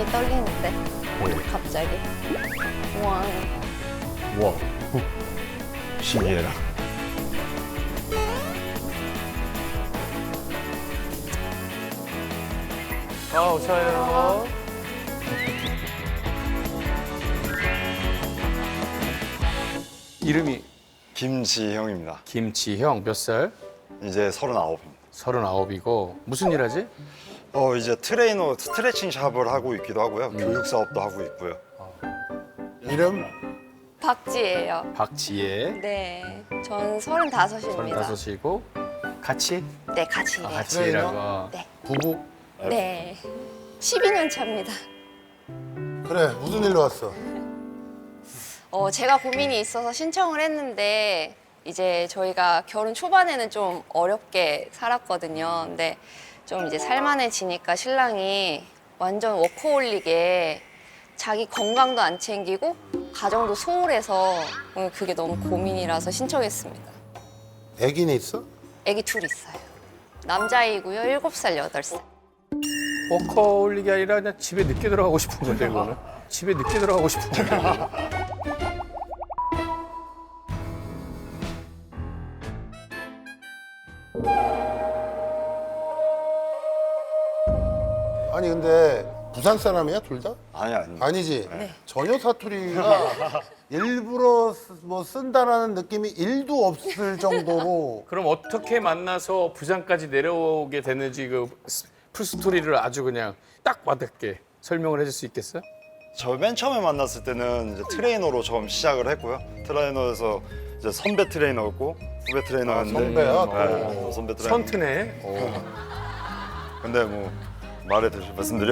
떨리는데 갑자기. 우와. 와, 신기해라. 오셔요. 이름이 김지형입니다. 김지형, 몇 살? 이제 39입니다. 39이고 무슨 일 하지? 이제 트레이너 스트레칭 샵을 하고 있기도 하고요. 교육 사업도 하고 있고요. 이름? 박지예요. 박지혜, 네. 전 35입니다. 35이고 같이? 네, 같이 일해요. 같이 트레이너? 일하고. 네. 부부? 네. 12년 차입니다. 그래, 무슨 일로 왔어? 제가 고민이 있어서 신청을 했는데 이제 저희가 결혼 초반에는 좀 어렵게 살았거든요. 근데 좀 이제 살만해지니까 신랑이 완전 워커홀릭에 자기 건강도 안 챙기고 가정도 소홀해서 그게 너무 고민이라서 신청했습니다. 애기는 있어? 아기 둘 있어요. 남자이고요. 7살, 8살. 워커홀릭이 아니라 그냥 집에 늦게 들어가고 싶은 건데, 그거는. 집에 늦게 들어가고 싶은 건데. 아니 근데 부산 사람이야 둘 다? 아니. 아니지. 전혀 사투리가 일부러 뭐 쓴다라는 느낌이 1도 없을 정도로 그럼 어떻게 만나서 부산까지 내려오게 됐는지 그 풀스토리를 아주 그냥 딱 와닿게 설명을 해줄 수 있겠어요? 저 맨 처음에 만났을 때는 이제 트레이너로 처음 시작을 했고요. 트레이너에서 이제 선배 트레이너였고 후배 트레이너였는데. 선배야, 네, 또. 선배 트레이너. 선트네. 근데 뭐 말씀드려.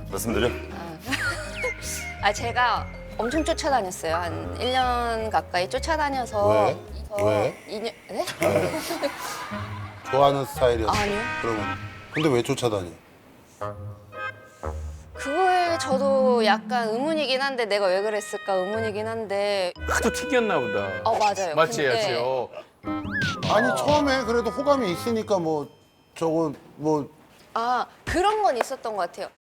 제가 엄청 쫓아다녔어요. 한 1년 가까이 쫓아다녀서. 왜? 2년, 네? 좋아하는 스타일이었어. 아니요. 그러면 근데 왜 쫓아다니? 그거에 저도 약간 의문이긴 한데 내가 왜 그랬을까 의문이긴 한데 하도 튀겼나 보다. 맞아요. 맞지, 근데 맞지. 아니 처음에 그래도 호감이 있으니까 뭐 저거 뭐 그런 건 있었던 것 같아요.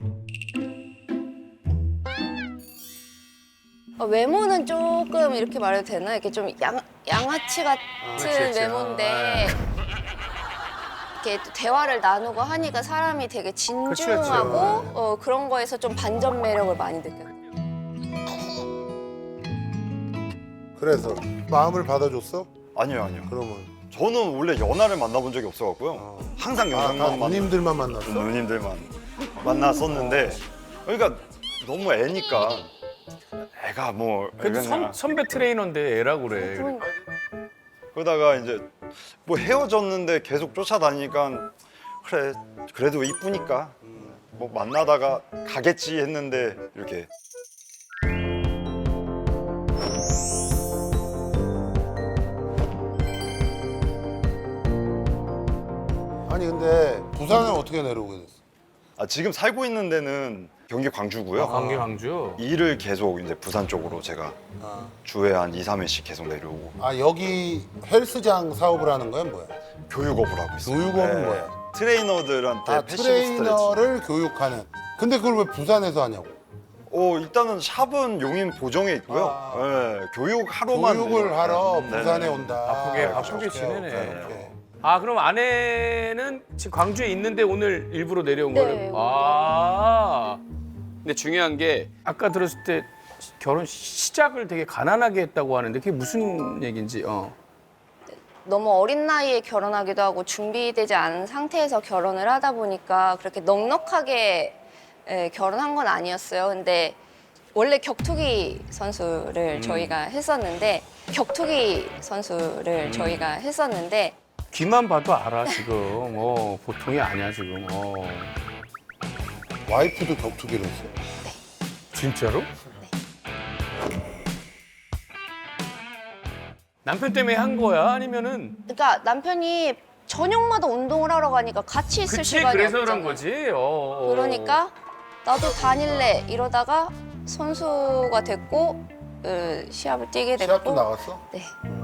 외모는 조금 이렇게 말해도 되나? 이렇게 좀 양아치 같은 그치. 외모인데 이렇게 또 대화를 나누고 하니까 사람이 되게 진중하고 그런 거에서 좀 반전 매력을 많이 느껴요. 그래서 마음을 받아줬어? 아니요. 그러면 저는 원래 연하를 만나본 적이 없어갖고요. 항상 다 영상만 누님들만 만났어? 누님들만 만났었는데 그러니까 너무 애니까 애가 뭐 근데 애가 선배 트레이너인데 애라고 그래. 그러니까. 그러다가 이제 뭐 헤어졌는데 계속 쫓아다니니까 그래 그래도 이쁘니까 뭐 만나다가 가겠지 했는데 이렇게 아니 근데 부산을 어떻게 내려오게 됐어? 지금 살고 있는 데는 경기 광주고요. 광주. 일을 계속 이제 부산 쪽으로 제가 주에 한 2, 3회씩 계속 내려오고 여기 헬스장 사업을 하는 거야 뭐야? 교육업을 하고 있어요. 교육업은 뭐야? 트레이너들한테 패시브 스트레칭. 트레이너를 교육하는. 근데 그걸 왜 부산에서 하냐고? 일단은 샵은 용인 보정에 있고요. 네, 교육하러만 교육을 하러 네. 부산에 온다. 바쁘게 오케이, 지내네. 오케이. 그럼 아내는 지금 광주에 있는데 오늘 일부러 내려온 네, 거예요? 근데 중요한 게 아까 들었을 때 결혼 시작을 되게 가난하게 했다고 하는데 그게 무슨 얘기인지. 너무 어린 나이에 결혼하기도 하고 준비되지 않은 상태에서 결혼을 하다 보니까 그렇게 넉넉하게 결혼한 건 아니었어요. 근데 원래 격투기 선수를 저희가 했었는데 귀만 봐도 알아 지금. 보통이 아니야 지금. 와이프도 격투기를 했어. 진짜로? 남편 때문에 한 거야? 아니면은? 그러니까 남편이 저녁마다 운동을 하러 가니까 같이 있을 그치, 시간이 그래서 없잖아요. 그런 거지. 그러니까 나도 다닐래 이러다가 선수가 됐고 시합을 뛰게 됐고. 시합도 나갔어? 네.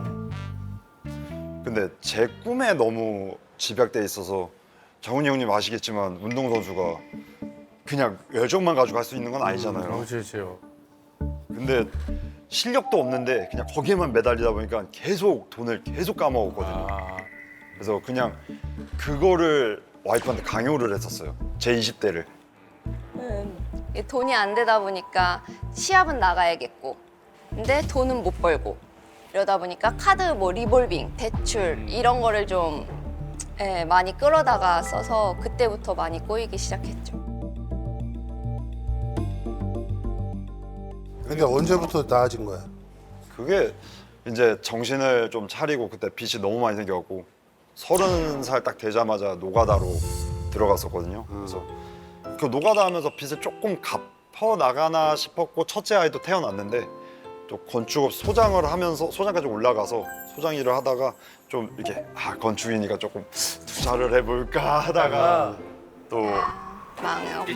근데 제 꿈에 너무 집약돼 있어서 정훈이 형님 아시겠지만 운동선수가 그냥 열정만 가지고 할 수 있는 건 아니잖아요. 그렇죠. 근데 실력도 없는데 그냥 거기에만 매달리다 보니까 계속 돈을 계속 까먹었거든요. 아, 그래서 그냥 그거를 와이프한테 강요를 했었어요. 제 20대를. 이게 돈이 안 되다 보니까 시합은 나가야겠고, 근데 돈은 못 벌고 이러다 보니까 카드 뭐 리볼빙, 대출 이런 거를 좀 많이 끌어다가 써서 그때부터 많이 꼬이기 시작했죠. 근데 언제부터 나아진 거야? 그게 이제 정신을 좀 차리고 그때 빚이 너무 많이 생겨갖고 30살 딱 되자마자 노가다로 들어갔었거든요. 그래서 그 노가다 하면서 빚을 조금 갚아 나가나 싶었고 첫째 아이도 태어났는데 또 건축업 소장을 하면서 소장까지 올라가서 소장 일을 하다가 좀 이렇게 건축이니까 조금 투자를 해볼까 하다가 또 망해요.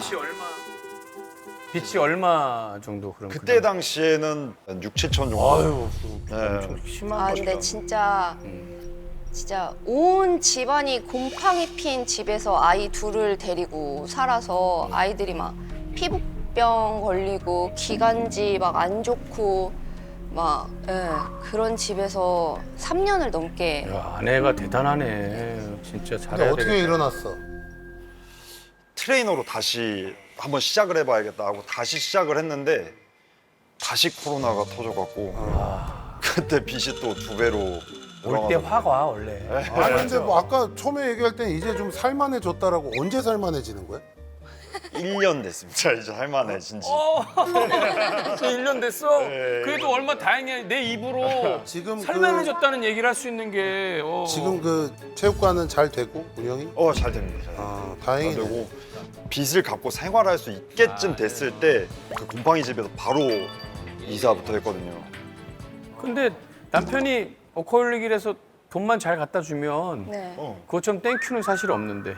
빚이 얼마 정도 그런 그때 당시에는 한 6, 7천 정도. 아유, 네. 심한 거죠. 근데 진짜 온 집안이 곰팡이 핀 집에서 아이 둘을 데리고 살아서 아이들이 막 피부병 걸리고 기관지 막 안 좋고 막 그런 집에서 3년을 넘게 야, 아내가 대단하네. 진짜 근데 잘해야 어떻게 되겠다. 일어났어? 트레이너로 다시 한번 시작을 해봐야겠다 하고 다시 시작을 했는데 다시 코로나가 터져갖고 그때 빚이 또 2배로 올 때 화가 와 원래. 아니 근데 뭐 아까 처음에 얘기할 땐 이제 좀 살만해졌다라고 언제 살만해지는 거야? 1년 됐습니다. 이제 할만해진 지. 저 1년 됐어? 네. 그래도 얼마 다행이야. 내 입으로 지금 살만해졌다는 얘기를 할 수 있는 게. 지금 그 체육관은 잘 되고 운영이? 잘 됩니다. 잘 아 됩니다. 다행이네. 되고 빚을 갚고 생활할 수 있게쯤 됐을 때 그 곰팡이 집에서 바로 이사부터 했거든요. 근데 남편이 워커홀릭이라서 돈만 잘 갖다 주면 네. 그것처럼 땡큐는 사실 없는데.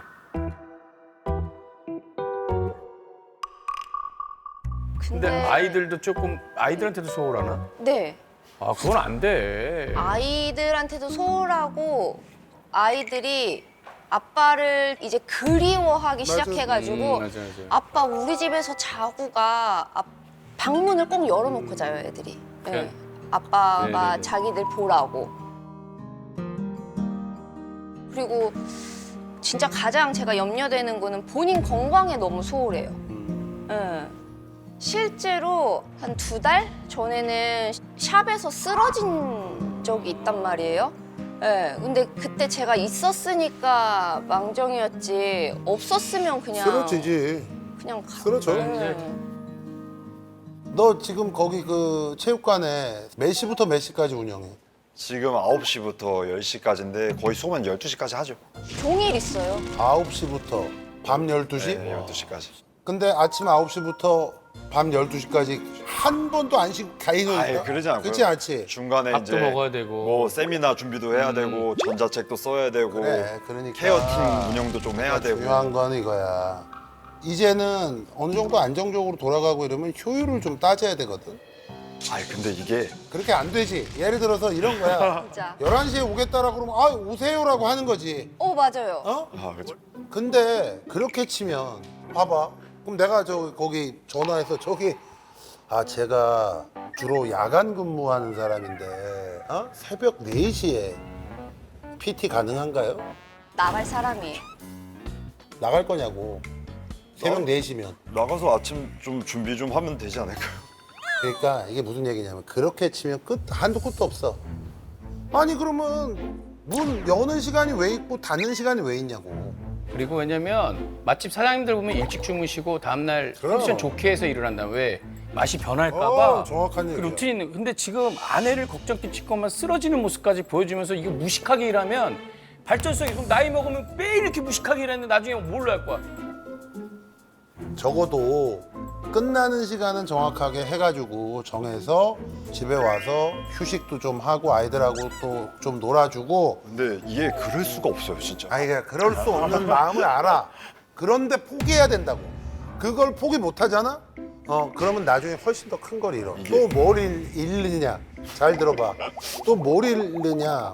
근데 아이들도 조금 아이들한테도 소홀하나? 네. 아 그건 안 돼. 아이들한테도 소홀하고 아이들이 아빠를 이제 그리워하기 시작해가지고 맞아. 아빠 우리 집에서 자고 가. 방문을 꼭 열어놓고 자요 애들이. 그래. 네. 아빠가 네네네. 자기들 보라고. 그리고 진짜 가장 제가 염려되는 거는 본인 건강에 너무 소홀해요. 네. 실제로 한 2달 전에는 샵에서 쓰러진 적이 있단 말이에요. 네, 근데 그때 제가 있었으니까 망정이었지 없었으면 그냥 쓰러지지. 그냥 쓰러져. 너 지금 거기 그 체육관에 몇 시부터 몇 시까지 운영해? 지금 9시부터 10시까지인데 거의 수업은 12시까지 하죠. 종일 있어요. 9시부터 밤 12시? 네, 12시까지. 근데 아침 9시부터 밤 12시까지 한 번도 안 쉬고 가이노니까? 아예 그러지 않고요. 그렇지 않지? 중간에 밥도 이제 먹어야 되고. 뭐 세미나 준비도 해야 되고 전자책도 써야 되고 그래, 그러니까. 케어팀 운영도 좀 해야 되고. 중요한 건 이거야. 이제는 어느 정도 안정적으로 돌아가고 이러면 효율을 좀 따져야 되거든. 근데 이게 그렇게 안 되지. 예를 들어서 이런 거야. 진짜. 11시에 오겠다라 그러면 오세요라고 하는 거지. 맞아요. 어? 그렇죠. 근데 그렇게 치면 봐봐. 그럼 내가 거기 전화해서 제가 주로 야간 근무하는 사람인데 새벽 4시에 PT 가능한가요? 나갈 사람이 나갈 거냐고. 새벽 4시면. 나가서 아침 좀 준비 좀 하면 되지 않을까요? 그러니까 이게 무슨 얘기냐면 그렇게 치면 한도 끝도 없어. 아니 그러면 문 여는 시간이 왜 있고 닫는 시간이 왜 있냐고. 그리고 왜냐면 맛집 사장님들 보면 일찍 주무시고 다음날 그럼. 컨디션 좋게 해서 일어난다. 왜? 맛이 변할까봐. 정확한 그 얘기야. 루틴이 있는. 근데 지금 아내를 걱정 끼칠 것만 쓰러지는 모습까지 보여주면서 이거 무식하게 일하면 발전성이 그럼 나이 먹으면 매일 이렇게 무식하게 일했는데 나중에 뭘로 할 거야? 적어도 끝나는 시간은 정확하게 해가지고 정해서 집에 와서 휴식도 좀 하고 아이들하고 또 좀 놀아주고. 근데 이게 그럴 수가 없어요, 진짜. 아이가 그럴 수 없는 마음을 알아. 그런데 포기해야 된다고. 그걸 포기 못 하잖아? 그러면 나중에 훨씬 더 큰 걸 잃어. 또 뭘 잃느냐? 잘 들어봐. 또 뭘 잃느냐?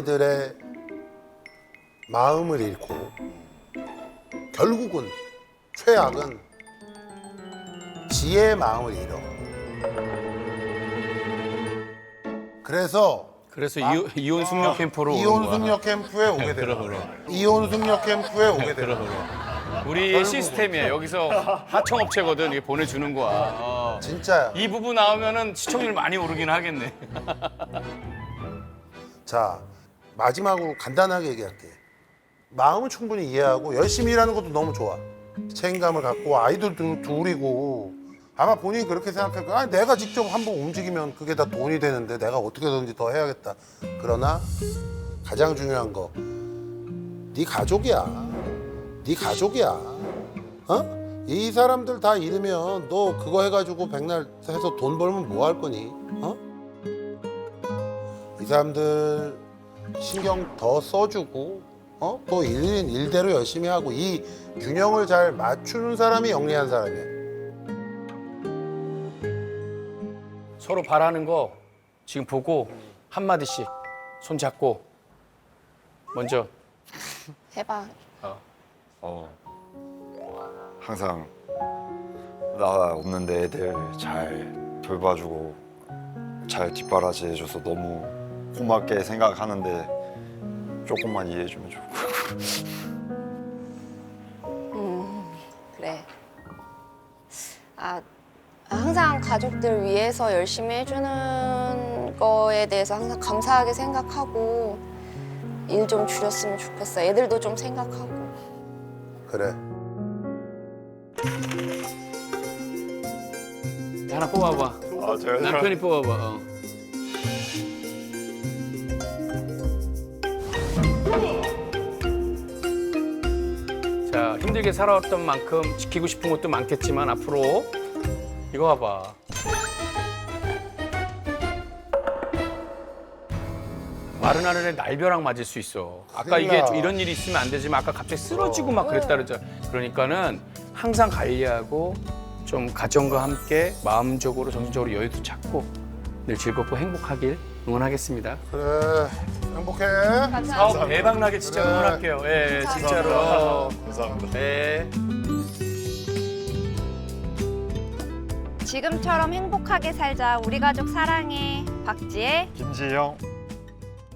아이들의 마음을 잃고 결국은 최악은 지혜의 마음을 잃어. 그래서 이혼 숙녀 캠프로 오는 이혼 거야. 숙녀 캠프에 오게 되는 그럼. 거야. 이혼 숙녀 캠프에 오게 되는 거야. 우리 시스템이야. 여기서 하청업체거든. 이게 보내주는 거야. 진짜야. 이 부분 나오면은 시청률 많이 오르긴 하겠네. 자, 마지막으로 간단하게 얘기할게. 마음은 충분히 이해하고 열심히 일하는 것도 너무 좋아. 책임감을 갖고 아이들 둘이고 아마 본인이 그렇게 생각할 거야. 내가 직접 한번 움직이면 그게 다 돈이 되는데 내가 어떻게든지 더 해야겠다. 그러나 가장 중요한 거, 네 가족이야. 네 가족이야. 어? 이 사람들 다 잃으면 너 그거 해가지고 백날 해서 돈 벌면 뭐 할 거니? 어? 이 사람들 신경 더 써주고 또 일인 일대로 열심히 하고 이 균형을 잘 맞추는 사람이 영리한 사람이야. 서로 바라는 거 지금 보고 한마디씩 손 잡고 먼저. 해봐. 항상 나 없는데 애들 잘 돌봐주고 잘 뒷바라지 해줘서 너무 고맙게 생각하는데 조금만 이해해주면 좋을 것 같고. 그래. 항상 가족들 위해서 열심히 해주는 거에 대해서 항상 감사하게 생각하고 일 좀 줄였으면 좋겠어. 애들도 좀 생각하고. 그래. 하나 뽑아봐. 제가 남편이 뽑아봐. 자, 힘들게 살아왔던 만큼 지키고 싶은 것도 많겠지만 앞으로 이거 봐봐. 마른 하늘에 날벼락 맞을 수 있어. 아까 이게 큰일 나. 이런 일이 있으면 안 되지만 아까 갑자기 쓰러지고 막 그랬다 그러잖아. 그러니까는 항상 관리하고 좀 가정과 함께 마음적으로 정신적으로 여유도 찾고 늘 즐겁고 행복하길 응원하겠습니다. 그래. 행복해. 사업 대박 나게 진짜 그래. 응원할게요. 예, 진짜로. 감사합니다. 네. 지금처럼 행복하게 살자. 우리 가족 사랑해. 박지혜. 김지영.